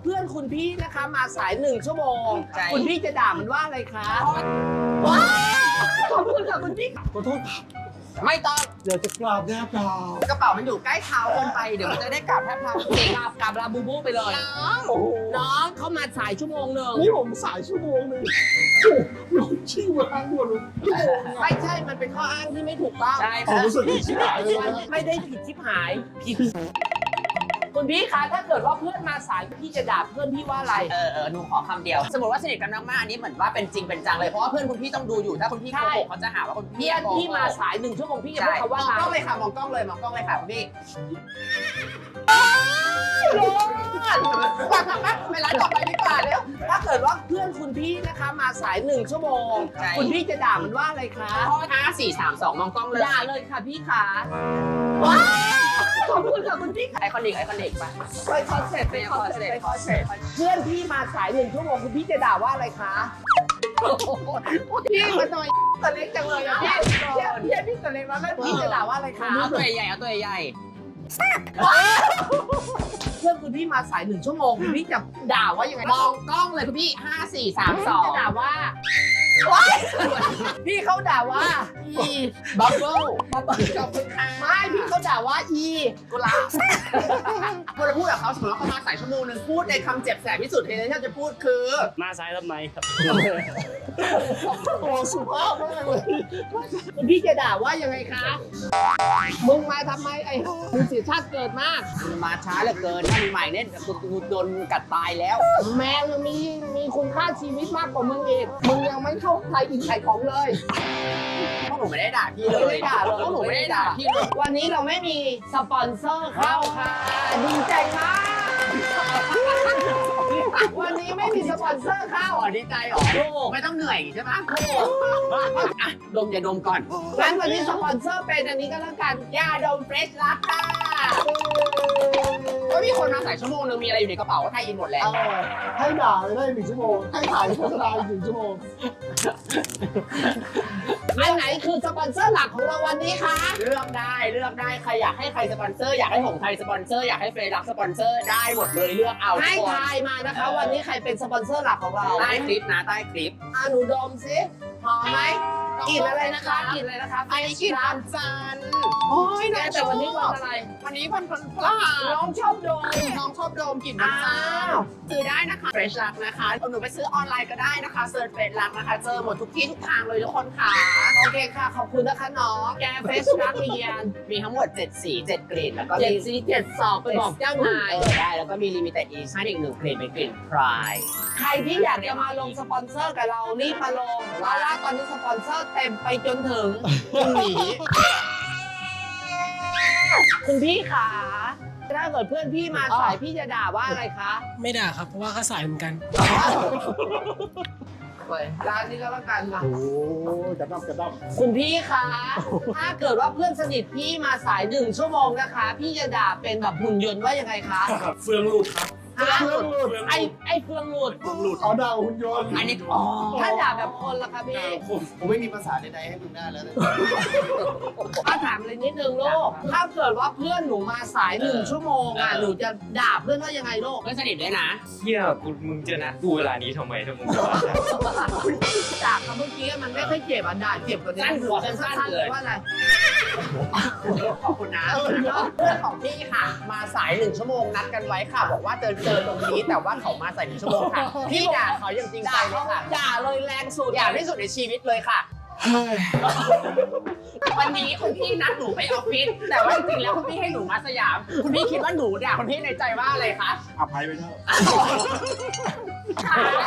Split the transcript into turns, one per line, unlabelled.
เพื่อนคุณพี่นะคะมาสาย1 ชั่วโมงคุณพี่จะด่ามันว่าอะไรคะว้าวขอบคุณค่ะคุณพี่
ขอโทษครับ
ไม่ต้อง
อยากจะกราบแนบดาว
กระเป๋ามันอยู่ใกล้เท้าเกินไปเดี๋ยวมันจะได้กลับแทบเท้า
กลับลาบูบูไปเลย
โอ้โห
น้องเขามาสาย1 ชั่วโมง
นี่ผมสายชั่วโมงนึงโอ้โหชื่อมาทั้งหมดเลยชั่วโมง
ไม่ใช่มันเป็นข้ออ้างที่ไม่ถูกต้อง
ใช่
ผมรู้สึกผิดชิบหายเลย
มัน
นะ
ไม่ได้ผิดชิบหายผิดคุณพี่คะถ้าเกิดว่าเพื่อนมาสายพี่จะด่าเพื่อนพี่ว่าอะไร
หนูขอคำเดียว สมมติว่าสนิทกันมากๆอันนี้เหมือนว่าเป็นจริงเป็นจังเลยเพราะว่าเพื่อนคุณพี่ต้องดูอยู่ถ้าคุณพี่โกหกเขาจะหาว่าคุณพี่
เพื่อน
โกหก
พี่มาสาย1 ชั่วโมงพี่จะ
ใช่
พูดคำ
ม
ว่า
อง
อะไร
กล้องเลยค่ะมองกล้องเลยมองกล้องเลยค่ะคุณพี่เวลาต่อไปดีกว่าเร็ว
ถ้าเกิดว่าเพื่อนคุณพี่นะคะมาสาย1 ชั่วโมง
ใช่
คุณพี่จะด่ามันว่าอะไรคะ
5 4 3 2มองกล้องเลย
ด่าเลยค่ะพี่ขาว้าวขอบคุณค่ะคุณพี่
ไอคอนิกไป
ไปคอนเสิร์ตไปคอนเสิร์ตไปคอนเสิร์ตเพื่อนพี่มาสาย1 ชั่วโมงคุณพี่จะด่าว่าอะไรคะพี่มาหน่อยตัวเล็กจังเลยอะพี่พี่ตัวเล็กแล้วแม่พี่จะด่าว่าอะไรคะ
เอาตัวใหญ่เอาตัวใหญ่
เพื่อนคุณพี่มาสาย1 ชั่วโมงคุณพี่จะด่าว่ายังไง
มองกล้องเลยคุณพี่5 4 3
จะด่า
2
ว่าพี่เขาด่าว่าอี
บับเบิ้ลขอบคุณค่ะ
ไม่พี่เขาด่าว่าอี
กุหลาบคุณจะพูดกับเขาสมมติว่าเขามาสายชั่วโมงนึงพูดในคำเจ็บแสบที่สุดที่เราจะพูดคือ
มาซ้ายทำไมครับ
โอ้สุภาพมากเลย
คุณพี่จะด่าว่ายังไงคะมึงมาทำไมไอ้มึงเสียชาติเกิดมาก
มาช้าเหลือเกินถ้ามีใหม่เนี่ยกูโดนกัดตายแล้ว
แมวยังมีคุณค่าชีวิตมากกว่ามึงอีกมึงยังไม่เข้าใครอินไข่ของเลย
พวกหนูไม่ได้ด่าพี่เลย
ไม่ได้ด่าเลย
พวกหนูไม่ได้ด่าพี่เลย
วันนี้เราไม่มีสปอนเซอร์เข้าค่ะดีใจมากวันนี้ไม่มีสปอนเซอร์เข้า
อ๋อดีใจเหรอ
ถูก
ไม่ต้องเหนื่อยใช่ไหมอ่ะดมอย่าดมก่อน
งั้นวันนี้สปอนเซอร์เป็นอันนี้ก็แล้วกันยาดมเฟรชลักค่ะ
ก็มีคนมาสายชั่วโมงนึงมีอะไรอยู่ในกระเป๋าก็ไทยอินหมดแล้ว
ให้ด่าเลยได้1 ชั่วโมงให้ถ่ายโฆษณาอีก1 ชั่วโมง
อันไหนคือสปอนเซอร์หลักของเราวันนี้คะ
เลือกได้ใครอยากให้ใครสปอนเซอร์อยากให้หงไทยสปอนเซอร์อยากให้เฟรรักสปอนเซอร์ได้หมดเลยเลือกเอา
ให้
ทุกคน
ทายมานะคะ วันนี้ใครเป็นสปอนเซอร์หลักของเรา
ใต้คลิปนะใต้คลิป
หนูดมสิหอมไหมกลิ่นอะไรนะคะกลิ่นอะไรนะคะ
ไอ้กินวันจันทร์
โอ้ยแต่วันนี้วันอะไร
วันนี้วันพฤหัส
น้องชอบดม
น้องชอบโดมกลิ่นวันจันทร์ซื้อได้นะคะเฟรชลักนะคะหนูไปซื้อออนไลน์ก็ได้นะคะเซิร์ชเฟรชลักนะคะเจอหมดทุกที่ทุกทางเลยทุกคนค่ะ
โอเคค่ะ ขอบคุณนะคะน้องแกเฟสรักเรียน
มีทั้งหมด7สี7กลิ่นแล้วก็
เจ็ด
มี
สี7 ศอกไปบอกเจ้านาย
ได้แล้วก็มีลิมิเต็ดอีชั่นอีก1กลิ่นเป็นกลิ่นพราย
ใครที่อยากจะมาลงสปอนเซอร์กับเรารีบมาลงเพราะว่าตอนนี้สปอนเซอร์เต็มไปจนถึง
พรุ่งนี้
คุณพี่ขาถ้าเกิดเพื่อนพี่มาสายพี่จะด่าว่าอะไรคะ
ไม่ด่าครับ เพราะว่าเขาสายเหมือนกัน
ร้านนี้ก็แล้วกันค่ะ
โอ้กระดับ
คุณพี่คะถ้าเกิดว่าเพื่อนสนิทพี่มาสาย1 ชั่วโมงนะคะ พี่จะด่าเป็นแบบหุ่นยนต์ว่ายังไงคะ
เฟืองหลุดครับ
ฮะ
เพื่อนหลุด
ไอ้เฟืองหลุด
เอาดาวหุ่นยนต์
อันนี้
ถ้าด่าแบบคนล่ะคะพี่
ผมไม่มีภาษาใดๆให้มึงได้แล้วนะ
ถ้าถามเลยนิดนึงลูกถ้าเกิดว่าเพื่อนหนูมาสาย1 ชั่วโมงหนูจะด่าเพื่อนว่ายังไงลูก
เพื่อนสนิทด้วยนะ
เฮียมึงจะนัดกูเวลานี้ทำไมถ้ามึงจะมาด่า
ด่าคำเมื่อกี้มันไม่ค่อยเจ็บด่าเจ็บกว่านี้
สั้นหัวสั้นๆเลย
ว่าอะไร
ขอบคุณนะเพื่อนของพี่ค่ะ มาสาย1 ชั่วโมงนัดกันไว้ค่ะ บอกว่าเจอตรงนี้แต่ว่าเขามาสาย1 ชั่วโมงค่ะ พี่ด่าเขาอย่างจริงใจ
ด่า
เลยค่ะ
ด่าเลยแรงสุด
อย่างที่สุดในชีวิตเลยค่ะ วันนี้คุณพี่นัดหนูไปออฟฟิศแต่ว่าจริงๆแล้วคุณพี่ให้หนูมาสยาม คุณพี่คิดว่าหนูด่าคุณพี่ในใจว่าอะไรคะ
อภัยไปเถอะ
ใช่